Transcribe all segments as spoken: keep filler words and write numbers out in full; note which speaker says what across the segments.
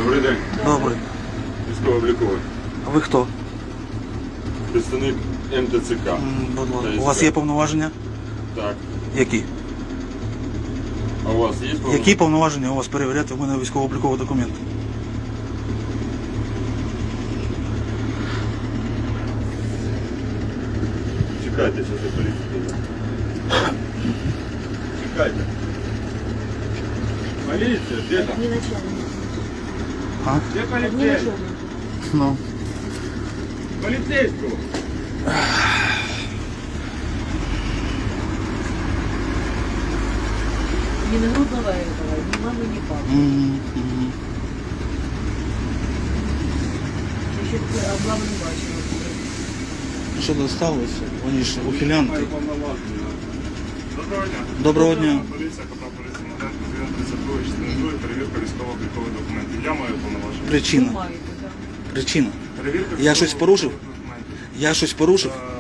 Speaker 1: Добрий день.
Speaker 2: Добре.
Speaker 1: Військово-обліковий.
Speaker 2: А ви хто?
Speaker 1: Представник ем те це ка.
Speaker 2: М, будь ласка.
Speaker 1: Та
Speaker 2: У вас є повноваження?
Speaker 1: Так.
Speaker 2: Які?
Speaker 1: А у вас є повноваження?
Speaker 2: Які повноваження у вас перевіряти в мене військово-обліковий документ?
Speaker 1: Чекайте, зараз я поліцію. Чекайте. Поліція, де там?
Speaker 3: Не начальник.
Speaker 2: А?
Speaker 1: Де
Speaker 3: Не
Speaker 1: поліцейський?
Speaker 3: начальник.
Speaker 2: Ну.
Speaker 1: Поліцейського.
Speaker 3: Ни нагрудного этого, ни мамы, ни папы.
Speaker 2: Мгм, мгм.
Speaker 3: Еще облаву не бачила.
Speaker 2: Що досталося? Вони ж ухилянти.
Speaker 1: Доброго дня.
Speaker 2: Доброго дня.
Speaker 1: Поліція, КП поліції Моденко, тридцять два, частина друга, перевірка військово-облікових документів. Я маю повноваження.
Speaker 2: Причина.
Speaker 3: Маєте, да.
Speaker 2: Причина.
Speaker 1: Перевірка
Speaker 2: Я щось порушив?
Speaker 1: військово-облікових документів.
Speaker 2: Я щось порушив?
Speaker 1: Е,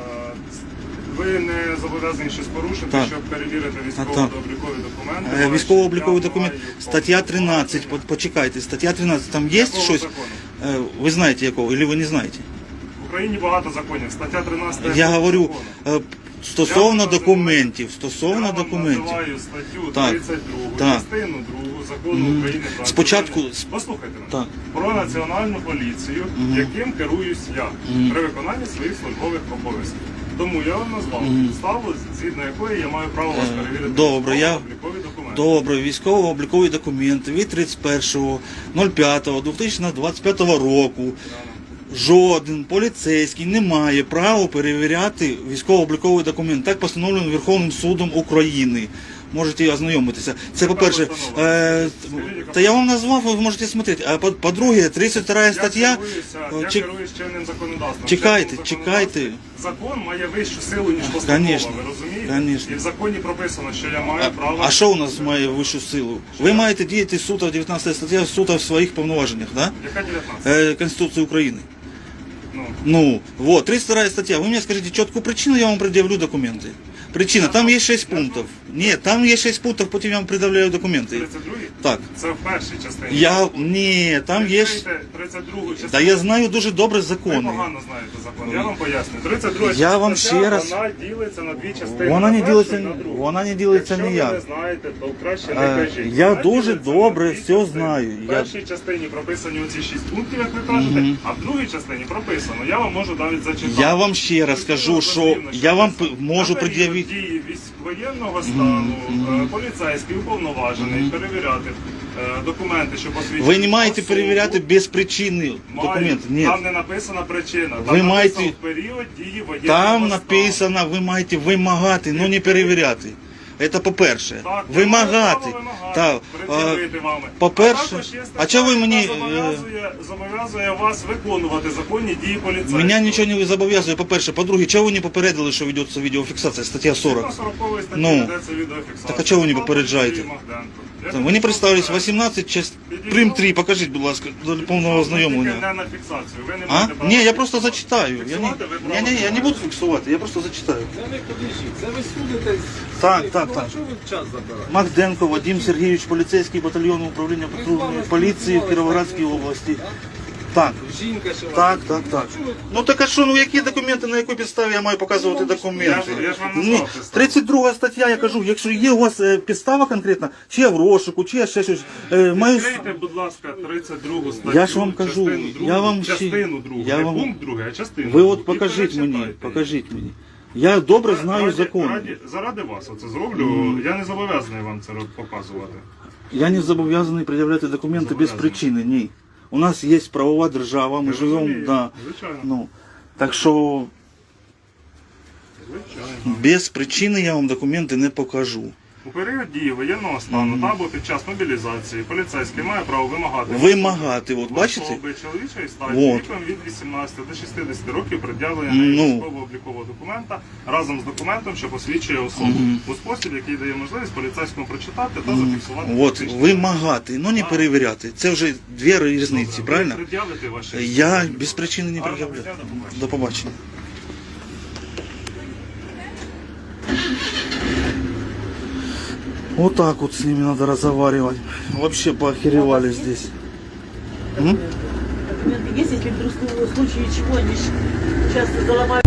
Speaker 1: Ви не зобов'язані щось порушити,
Speaker 2: Так.
Speaker 1: щоб перевірити
Speaker 2: так.
Speaker 1: військово-облікові документи.
Speaker 2: Е,
Speaker 1: Але
Speaker 2: Військово-обліковий
Speaker 1: я
Speaker 2: документ.
Speaker 1: маю
Speaker 2: Стаття тринадцять.
Speaker 1: повноваження.
Speaker 2: По- Почекайте. Стаття тринадцять. Там є
Speaker 1: Якого
Speaker 2: щось?
Speaker 1: закону?
Speaker 2: Е, Ви знаєте якого? Или ви не знаєте?
Speaker 1: В Україні багато законів. Стаття тринадцять.
Speaker 2: Я говорю
Speaker 1: закону.
Speaker 2: е, стосовно
Speaker 1: Я вам
Speaker 2: документів.
Speaker 1: Я
Speaker 2: Стосовно
Speaker 1: вам
Speaker 2: документів.
Speaker 1: називаю статтю
Speaker 2: Так.
Speaker 1: тридцять другу,
Speaker 2: Так.
Speaker 1: частину другу закону
Speaker 2: Мгм.
Speaker 1: України про
Speaker 2: Спочатку-
Speaker 1: національну- Послухайте мене.
Speaker 2: Так.
Speaker 1: Про національну поліцію,
Speaker 2: Мгм.
Speaker 1: яким керуюсь я
Speaker 2: Мгм.
Speaker 1: при виконанні своїх службових обов'язків. Тому я вам назвав
Speaker 2: Мгм.
Speaker 1: підставу, згідно якої я маю право вас
Speaker 2: Е,
Speaker 1: перевірити.
Speaker 2: добре, я-
Speaker 1: військово-облікові документи.
Speaker 2: Добре, військово-облікові документи від тридцять першого п'ятого дві тисячі двадцять п'ятого року. Жоден поліцейський не має права перевіряти військово-обліковий документ. Так постановлено Верховним судом України. Можете ознайомитися. Це
Speaker 1: Яка
Speaker 2: по-перше.
Speaker 1: постанова?
Speaker 2: Е,
Speaker 1: Скажіть, яка
Speaker 2: та я вам назвав, ви можете смотрети. А по- по-друге, тридцять втора
Speaker 1: Я
Speaker 2: стаття.
Speaker 1: керуюся, я
Speaker 2: Чек-
Speaker 1: керуюсь чинним законодавством.
Speaker 2: Чекайте,
Speaker 1: Чинним
Speaker 2: чекайте.
Speaker 1: законодавством Закон має вищу силу, ніж постанова,
Speaker 2: Конечно,
Speaker 1: ви розумієте?
Speaker 2: конечно.
Speaker 1: І в законі прописано, що я маю право...
Speaker 2: А що у нас має вищу силу? Ви маєте діяти суто дев'ятнадцята стаття суто в своїх повноваженнях, да?
Speaker 1: Яка дев'ятнадцята?
Speaker 2: Е, Конституції України.
Speaker 1: Ну,
Speaker 2: Ну, вот, тридцать вторая статья. Вы мне скажите четкую причину, я вам предъявлю документы. Причина, там есть шесть пунктов. Нет, там есть шесть пунктов, потом я вам предъявляю документы.
Speaker 1: тридцять другий?
Speaker 2: Так.
Speaker 1: Це в першій частині.
Speaker 2: Я, ні, там є...
Speaker 1: Відкрийте тридцять другу частину.
Speaker 2: Да я знаю дуже добре
Speaker 1: Ви
Speaker 2: закони.
Speaker 1: погано знаєте закон. Я вам поясню. тридцять друга
Speaker 2: Я вам
Speaker 1: стаття,
Speaker 2: ще раз-
Speaker 1: Вона ділиться на дві частини.
Speaker 2: Вона
Speaker 1: на
Speaker 2: не
Speaker 1: першу
Speaker 2: ділиться-
Speaker 1: і на другу.
Speaker 2: вона не ділиться
Speaker 1: Якщо
Speaker 2: ніяк.
Speaker 1: ви не знаєте, то краще не
Speaker 2: Е,
Speaker 1: кажіть.
Speaker 2: я
Speaker 1: Вона
Speaker 2: дуже
Speaker 1: ділиться
Speaker 2: добре
Speaker 1: на дві
Speaker 2: все
Speaker 1: частини.
Speaker 2: знаю.
Speaker 1: В
Speaker 2: Я-
Speaker 1: першій частині прописані оці шість пунктів, як ви кажете, а в другій частині прописано. Я вам можу навіть зачитати.
Speaker 2: Я вам ще раз скажу, що я вам п- можу пред'явити...
Speaker 1: дії воєнного стану, е, поліцейський уповноважений перевіряти е, документи, що посвідчують
Speaker 2: Ви не маєте
Speaker 1: особу.
Speaker 2: перевіряти без причини
Speaker 1: Маю.
Speaker 2: документи. Ні.
Speaker 1: Там не написана причина. Там
Speaker 2: Ви
Speaker 1: написано
Speaker 2: маєте-
Speaker 1: в період дії воєнного
Speaker 2: Там
Speaker 1: стану.
Speaker 2: написано, ви маєте вимагати, ну не перевіряти. Це по-перше.
Speaker 1: Так, я маю
Speaker 2: Вимагати.
Speaker 1: право вимагати,
Speaker 2: Так.
Speaker 1: пред'явити
Speaker 2: а,
Speaker 1: вами.
Speaker 2: По-перше,
Speaker 1: А також є
Speaker 2: а
Speaker 1: стаття,
Speaker 2: чого ви
Speaker 1: яка
Speaker 2: мені... е,
Speaker 1: Зобов'язує, зобов'язує вас виконувати законні дії поліцейського.
Speaker 2: Мене нічого не зобов'язує, по-перше. По-друге, чого ви не попередили, що ведеться відеофіксація, стаття сорок?
Speaker 1: На сороковій статті
Speaker 2: Ну.
Speaker 1: ведеться відеофіксація.
Speaker 2: Так а чого ви не
Speaker 1: Павло
Speaker 2: попереджаєте?
Speaker 1: Сергій Магденко. Я
Speaker 2: Ви не представились,
Speaker 1: попереджаю.
Speaker 2: вісімнадцять, часть прим три, покажіть, будь ласка, до повного
Speaker 1: Ви
Speaker 2: ознайомлення.
Speaker 1: тільки не на фіксацію. Ви не
Speaker 2: А?
Speaker 1: маєте права
Speaker 2: Ні, я просто
Speaker 1: фіксувати.
Speaker 2: зачитаю. Я не,
Speaker 1: Фіксувати ви
Speaker 2: ні,
Speaker 1: право
Speaker 2: ні, я не
Speaker 1: маєте.
Speaker 2: буду фіксувати, я просто зачитаю.
Speaker 4: Це не подождіть, це ви судитесь.
Speaker 2: Так,
Speaker 4: Ну,
Speaker 2: так,
Speaker 4: а
Speaker 2: так.
Speaker 4: Що ви час забираєте?
Speaker 2: Магденко Вадим Сергійович, поліцейський батальйон управління патрульної поліції в Кіровоградській області. Так,
Speaker 4: Жінка ще
Speaker 2: так,
Speaker 4: вас-
Speaker 2: так, так.
Speaker 4: Що ви-
Speaker 2: Ну так а що, ну які документи, на якій підставі я маю показувати документи?
Speaker 1: Я ж- я ж вам
Speaker 2: Ні,
Speaker 1: назвав підставу.
Speaker 2: тридцять друга стаття, я кажу, якщо є у вас е, підстава конкретна, чи я в розшуку, чи я ще щось, е, маю...
Speaker 1: Відкрийте, будь ласка, тридцять другу статтю.
Speaker 2: Я ж вам кажу,
Speaker 1: частину другу,
Speaker 2: я вам ще-
Speaker 1: частину другу,
Speaker 2: я
Speaker 1: не
Speaker 2: вам-
Speaker 1: пункт другий, а частину
Speaker 2: Ви
Speaker 1: другу.
Speaker 2: от
Speaker 1: І
Speaker 2: покажіть мені,
Speaker 1: перечитайте.
Speaker 2: покажіть мені. Я добре знаю
Speaker 1: Раді-
Speaker 2: закон.
Speaker 1: раді- Заради вас оце зроблю, я не зобов'язаний вам це показувати.
Speaker 2: Я не зобов'язаний пред'являти документи без
Speaker 1: Зобов'язаний.
Speaker 2: причини, ні. У нас є правова держава, ми
Speaker 1: Я
Speaker 2: живемо,
Speaker 1: розумію,
Speaker 2: да,
Speaker 1: звичайно.
Speaker 2: ну, так що
Speaker 1: Звичайно.
Speaker 2: без причини я вам документи не покажу.
Speaker 1: У період дії воєнного стану та або під час мобілізації поліцейський має право вимагати
Speaker 2: Вимагати, от
Speaker 1: в
Speaker 2: бачите?
Speaker 1: особи чоловічої статі
Speaker 2: Вот.
Speaker 1: віком від вісімнадцяти до шістдесяти років пред'явлення
Speaker 2: Ну.
Speaker 1: військово-облікового документа разом з документом, що посвідчує особу у спосіб, який дає можливість поліцейському прочитати та зафіксувати.
Speaker 2: От,
Speaker 1: фактичні
Speaker 2: вимагати, ну не
Speaker 1: Так.
Speaker 2: перевіряти. Це вже дві різниці,
Speaker 1: Ви
Speaker 2: правильно?
Speaker 1: пред'явите ваші
Speaker 2: Я
Speaker 1: документи?
Speaker 2: без причини не
Speaker 1: Гарного
Speaker 2: пред'являю.
Speaker 1: дня, до побачення.
Speaker 2: До побачення. Вот так вот с ними надо разговаривать. Вообще поохеревали здесь.
Speaker 3: Документы. Документы есть, если вдруг в случае чего они ж часто заломают